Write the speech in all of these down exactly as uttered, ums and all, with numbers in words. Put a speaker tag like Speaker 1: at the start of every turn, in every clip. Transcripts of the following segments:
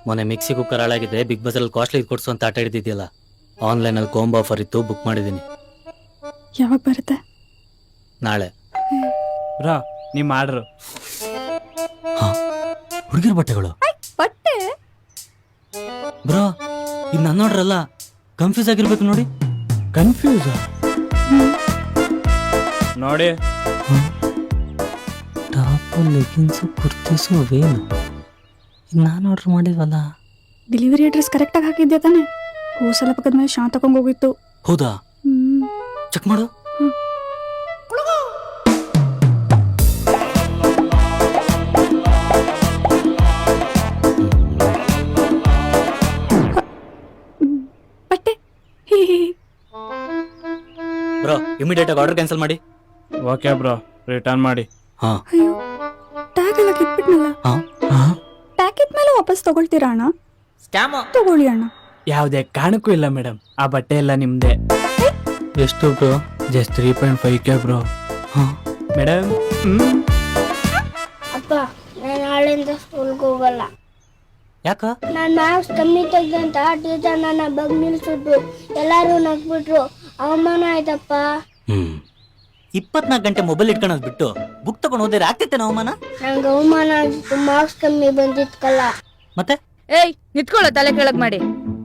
Speaker 1: ಮೊನ್ನೆ mixie cooker ಹಾಳಾಗಿದೆ, big ಬಜಾರಲ್ಲಿ ಕಾಸ್ಟ್ಲಿ ಕೊಡ್ಸು ಅಂತ ಆಟ ಹಿಡಿದಿದೆಯಲ್ಲ, ಆನ್ಲೈನಲ್ಲಿ ಕಾಂಬೋ ಆಫರ್ ಇತ್ತು, ಬುಕ್ ಮಾಡಿದ್ದೀನಿ.
Speaker 2: ಯಾವಾಗ ಬರುತ್ತೆ?
Speaker 1: ನಾಳೆ.
Speaker 3: ಬ್ರೋ ನಿಮ್ಮ ಆರ್ಡ್ರು.
Speaker 1: ಹಾ, ಹುಡುಗಿರ ಬಟ್ಟೆಗಳು.
Speaker 2: ಬಟ್ಟೆ
Speaker 1: ಬ್ರೋ, ಇದು ನನ್ನ ಆರ್ಡರ್ ಅಲ್ಲ, ಕನ್ಫ್ಯೂಸ್ ಆಗಿರ್ಬೇಕು ನೋಡಿ.
Speaker 3: ಕನ್ಫ್ಯೂಸ್ ನೋಡಿ.
Speaker 1: ಟಾಪು, ಲೆಗಿನ್ಸು, ಕುರ್ತೀಸು ಅವೇನು ಇದು ನಾನು ಆರ್ಡರ್ ಮಾಡಿಲ್ವಲ್ಲ.
Speaker 2: ಡೆಲಿವರಿ ಅಡ್ರೆಸ್ ಕರೆಕ್ಟಾಗಿ ಹಾಕಿದ್ದೆ ತಾನೆ? ಹೋಸಲ ಪಕ್ಕದ ಮೇಲೆ ಶಾಂತ ತಗೊಂಡು ಹೋಗಿತ್ತು.
Speaker 1: ಹೌದಾ?
Speaker 2: ಹ್ಮ್
Speaker 1: ಚೆಕ್ ಮಾಡು.
Speaker 2: ಬಟ್ಟೆ
Speaker 1: ಬ್ರೋ, ಇಮಿಡಿಯೇಟ್ ಆಗಿ ಆರ್ಡರ್ ಕ್ಯಾನ್ಸಲ್ ಮಾಡಿ.
Speaker 3: ಓಕೆ ಬ್ರೋ, ರಿಟರ್ನ್ ಮಾಡಿ.
Speaker 1: ಹಾ.
Speaker 2: ಅಯ್ಯೋ, ಟ್ಯಾಗ್ ಎಲ್ಲ ಕಿತ್ಬಿಟ್ನಲ್ಲ.
Speaker 1: ಹಾ.
Speaker 2: ಪ್ಯಾಕೆಟ್ ಮೇಲೆ ವಾಪಸ್ ತಗೊಳ್ತೀರಾ ಅಣ್ಣ? ತಗೊಳ್ಳಿ ಅಣ್ಣ.
Speaker 3: ಯಾವುದೇ ಕಾರಣಕ್ಕೂ ಇಲ್ಲ ಮೇಡಮ್, ಆ ಬಟ್ಟೆ ಎಲ್ಲ ನಿಮ್ದೆ. ಎಷ್ಟು bro? Just three point five K bro.
Speaker 1: ಹಾ
Speaker 3: ಮೇಡಮ್.
Speaker 4: ಅಪ್ಪ, ನಾನು ನಾಳೆಯಿಂದ ಸ್ಕೂಲ್ಗೆ ಹೋಗಲ್ಲ.
Speaker 1: ಯಾಕ?
Speaker 4: ನಾನು ಮಾರ್ಕ್ಸ್ ಕಮ್ಮಿ ತೆಗ್ದಂತ ಟೀಚರ್ ನನ್ನ ಬಗ್ ನಿಲ್ಸಿದ್ರು, ಎಲ್ಲರೂ ನಗ್ಬಿಟ್ರು, ಅವಮಾನ ಆಯ್ತಪ್ಪ.
Speaker 1: ಹ್ಮ್ ಇಪ್ಪತ್ನಾಲ್ಕು ಗಂಟೆ ಮೊಬೈಲ್ ಇಟ್ಕೊಳೋದ್ ಬಿಟ್ಟು ಬುಕ್ ತಗೊಂಡು ಹೋದ್ರೆ ಆಗ್ತೈತೆ ಅವಮಾನ?
Speaker 4: ನಂಗೆ ಅವಮಾನ ಆಗಿತ್ತು, ಮಾರ್ಕ್ಸ್ ಕಮ್ಮಿ ಬಂದಿತ್ಕಲ್ಲ.
Speaker 1: ಮತ್ತೆ
Speaker 5: ಏಯ್ ನಿತ್ಕೊಳ್ಳೋ, ತಲೆ ಕೆಳಗ್ ಮಾಡಿ.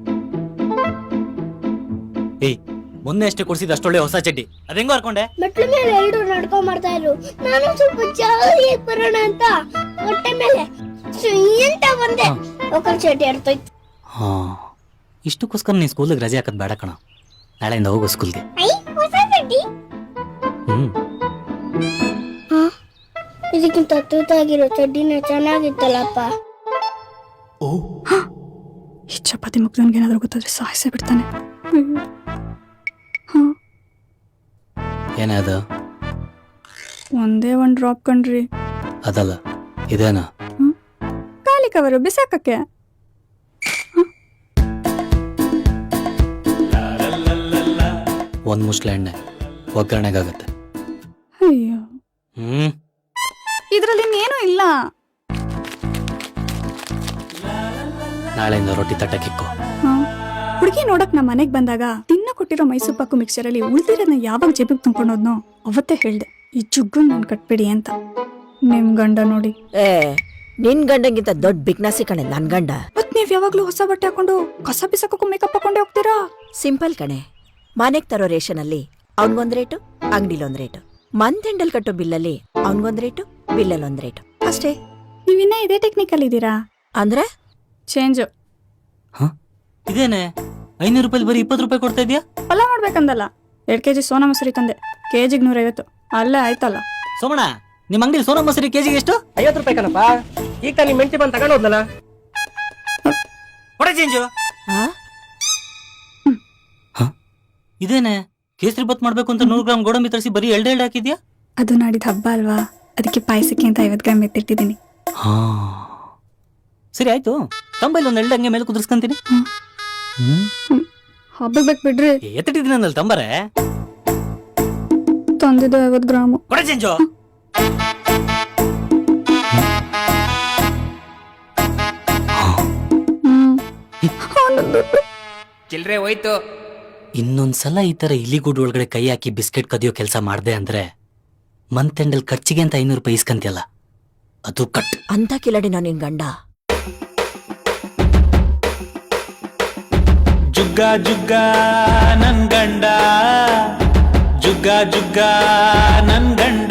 Speaker 1: ಏಯ್, ಮೊನ್ನೆ ಅಷ್ಟೇ ಕೊಡ್ಸಿದ ಅಷ್ಟೊಳ್ಳೆ ಹೊಸ ಚಡ್ಡಿ, ಅದ್ ಹೆಂಗೋ ಹರ್ಕೊಂಡೆ?
Speaker 4: ಮೆಟ್ಲ ಮೇಲೆ ಎಲ್ಲರೂ ನಡ್ಕೊಂಡ್ ಬರ್ತಾ ಇದ್ರು, ನಾನು ಸ್ವಲ್ಪ ಜಾಲಿ ಬರೋಣ ಅಂತ ಹೊಟ್ಟೆ ಮೇಲೆ ಎಂತ ಬಂದೆ, ಒಕ್ಕಲ್ ಚಟಿ ಅರ್ತೋಯ್ತು.
Speaker 1: ಹಾ, ಇಷ್ಟಕ್ಕೋಸ್ಕರ ನೀನ್ ಸ್ಕೂಲಿಗೆ ರಜೆ ಹಾಕದ್ ಬೇಡ ಕಣ, ನಾಳೆಯಿಂದ ಹೋಗು ಸ್ಕೂಲ್ಗೆ.
Speaker 4: ಐ ಹೊಸ ಚಡ್ಡಿ.
Speaker 1: ಹ್ಮ್
Speaker 4: ಇದಕ್ಕಿಂತ ತೂತಾಗಿರೋ ಚಡ್ಡಿನ ಚೆನ್ನಾಗಿತ್ತಲ್ಲಪ್ಪ.
Speaker 2: ಈ ಚಪಾತಿ ಮುಗ್ದನ್ಗೆ ಏನಾದ್ರು ಗೊತ್ತಾದ್ರೆ ಸಾಯಿಸೇ ಬಿಡ್ತಾನೆ.
Speaker 1: ಏನೇ ಅದು?
Speaker 2: ಒಂದೇ ಒಂದ್ ಡ್ರಾಪ್ ಕಣ್ರಿ.
Speaker 1: ಅದಲ್ಲ, ಇದೇನಾ?
Speaker 2: ಖಾಲಿ ಕವರು ಬಿಸಾಕಕ್ಕೆ.
Speaker 1: ಒಂದ್ ಮುಸ್ಲೆ ಎಣ್ಣೆ ಒಗ್ಗರಣೆಗಾಗತ್ತೆ.
Speaker 2: ಅಯ್ಯೋ,
Speaker 1: ಹ್ಮ್
Speaker 2: ಇದ್ರಲ್ಲಿ ಇನ್ನೇನು ಇಲ್ಲ.
Speaker 1: ನಾಳೆಯಿಂದ ರೊಟ್ಟಿ ತಟ್ಟಕ್ಕಿಕ್ಕು.
Speaker 2: ಹುಡುಗಿ ನೋಡಕ್ ನಮ್ ಮನೆಗ್ ಬಂದಾಗ ತಿನ್ನ ಕೊಟ್ಟಿರೋ ಮೈಸೂರು ಪಾಕು ಮಿಕ್ಸರ್ ಅಲ್ಲಿ ಉಳ್ದಿರೋದನ್ನ ಯಾವಾಗ ಜೇಬಿಗೆ ತುಂಬ್ಕೊಂಡೋದ್ನೋ ಅವತ್ತೇ ಹೇಳ್ದೆ, ಈ ಜುಗ್ಗನ್ ನನ್ ಕಟ್ಬಿಡಿ ಅಂತ. ನಿಮ್ ಗಂಡ ನೋಡಿ,
Speaker 6: ಏ ನಿನ್ ಗಂಡಂಗಿಂತ ದೊಡ್ಡ ಬಿಗ್ನಾಸಿ ಕಣೆ ನನ್ ಗಂಡ.
Speaker 2: ಮತ್ ನೀವ್ ಯಾವಾಗ್ಲೂ ಹೊಸ ಬಟ್ಟೆ ಹಾಕೊಂಡು ಕಸ ಬಿಸಾಕಕ್ಕೂ ಮೇಕಪ್ ಹಾಕೊಂಡೇ ಹೋಗ್ತೀರಾ?
Speaker 6: ಸಿಂಪಲ್ ಕಣೆ, ಮನೆಗ್ ತರೋ ರೇಷನ್ ಅಲ್ಲಿ ಅವ್ನ್ಗೊಂದ್ ರೇಟು, ಅಂಗಡಿಲಿ ಒಂದ್ ರೇಟು. ಮಂತ್ ಎಂಡಲ್ ಕಟ್ಟೋ ಬಿಲ್ಲಲ್ಲಿ ಅವ್ನ್ಗೊಂದ್ ರೇಟು, ಬಿಲ್ಲಲ್ಲಿ ಒಂದ್ ರೇಟು ಅಷ್ಟೇ.
Speaker 2: ನೀವಿನ್ನ ಇದೇ ಟೆಕ್ನಿಕಲ್ ಇದ್ದೀರಾ?
Speaker 6: ಅಂದ್ರೆ
Speaker 2: ಚೇಂಜ್.
Speaker 1: ಹ ಇದೇನೆ ಐನೂರು ರೂಪಾಯಿ ಬರೀ ಇಪ್ಪತ್ತು ರೂಪಾಯಿ ಕೊಡ್ತಾ ಇದೀಯಾ?
Speaker 2: ಪಲಾವ್ ಮಾಡ್ಬೇಕಂದಲ್ಲ, ಎರಡ್ ಕೆಜಿ ಸೋನಾ ಮಸೂರಿ ತಂದೆ, ಕೆಜಿಗ್ ನೂರೈವತ್ತು. ಅಲ್ಲೇ ಆಯ್ತಲ್ಲ.
Speaker 1: ಸೋಮಣ್ಣ, ನಿಮ್ ಅಂಗಡಿ ಸೋನಾ ಮಸೂರಿ ಕೆಜಿಗೆ ಎಷ್ಟು?
Speaker 7: ಐವತ್ತು ರೂಪಾಯಿ ಕಣಪ್ಪ. ಈಗ ತಾನು ಮೆಂಟಿ ಬಂದು ತಗೊಂಡೋದ್ನಲ್ಲ.
Speaker 1: ಕೊಡೆ ಚೇಂಜು. ಇದೇನೆ ಕೇಸರಿ ಬತ್ ಮಾಡ್ಬೇಕು ಅಂತ ನೂರು ಗ್ರಾಮ್ ಗೋಡಂಬಿ ತರಿಸಿ ಬರೀ ಎಲ್ಡ್ ಎಲ್ಡ್ ಹಾಕಿದ್ಯಾ?
Speaker 2: ಅದು ನಾಡಿದ ಹಬ್ಬ ಅಲ್ವಾ, ಅದಕ್ಕೆ ಪಾಯಸಕ್ಕೆ ಅಂತ ಐವತ್ತು ಗ್ರಾಮ್ ಎತ್ತಿಟ್ಟಿದ್ದೀನಿ.
Speaker 1: ಹಾ ಸರಿ ಆಯ್ತು, ತಂಬೈಲ್ ಒಂದ್ ಎಲ್ಡ್ ಹಂಗೆ ಮೇಲೆ ಕುದಿಸ್ಕೊಂತೀನಿ.
Speaker 2: ಹಬ್ಬಕ್ಕೆ ಬೇಕು ಬಿಡ್ರಿ.
Speaker 1: ಎತ್ತಿಟ್ಟಿದ್ದೀನಿ ಅಂದಲ್ಲಿ ತಂಬರೆ.
Speaker 2: ತಂದಿದ್ದು ಐವತ್ತು ಗ್ರಾಮು.
Speaker 1: ಕೊಡೆ ಚೇಂಜು.
Speaker 7: ಚಿಲ್ರೆ ಹೋಯ್ತು.
Speaker 1: ಇನ್ನೊಂದ್ಸಲ ಈ ತರ ಇಲಿಗೂಡು ಒಳಗಡೆ ಕೈ ಹಾಕಿ ಬಿಸ್ಕೆಟ್ ಕದಿಯೋ ಕೆಲಸ ಮಾಡ್ದೆ ಅಂದ್ರೆ ಮಂತ್ ಎಂಡಲ್ ಖರ್ಚಿಗೆ ಅಂತ ಐನೂರು ರೂಪಾಯಿ ಇಸ್ಕಂತಿಯಲ್ಲ, ಅದು ಕಟ್.
Speaker 6: ಅಂತ ಕಿಲಡಿನ ನಿನ್ ಗಂಡ.
Speaker 8: ಜುಗ್ಗ ಜುಗ್ಗ ನನ್ ಗಂಡ, ಜುಗ್ಗ ಜುಗ್ಗ ನನ್ ಗಂಡ.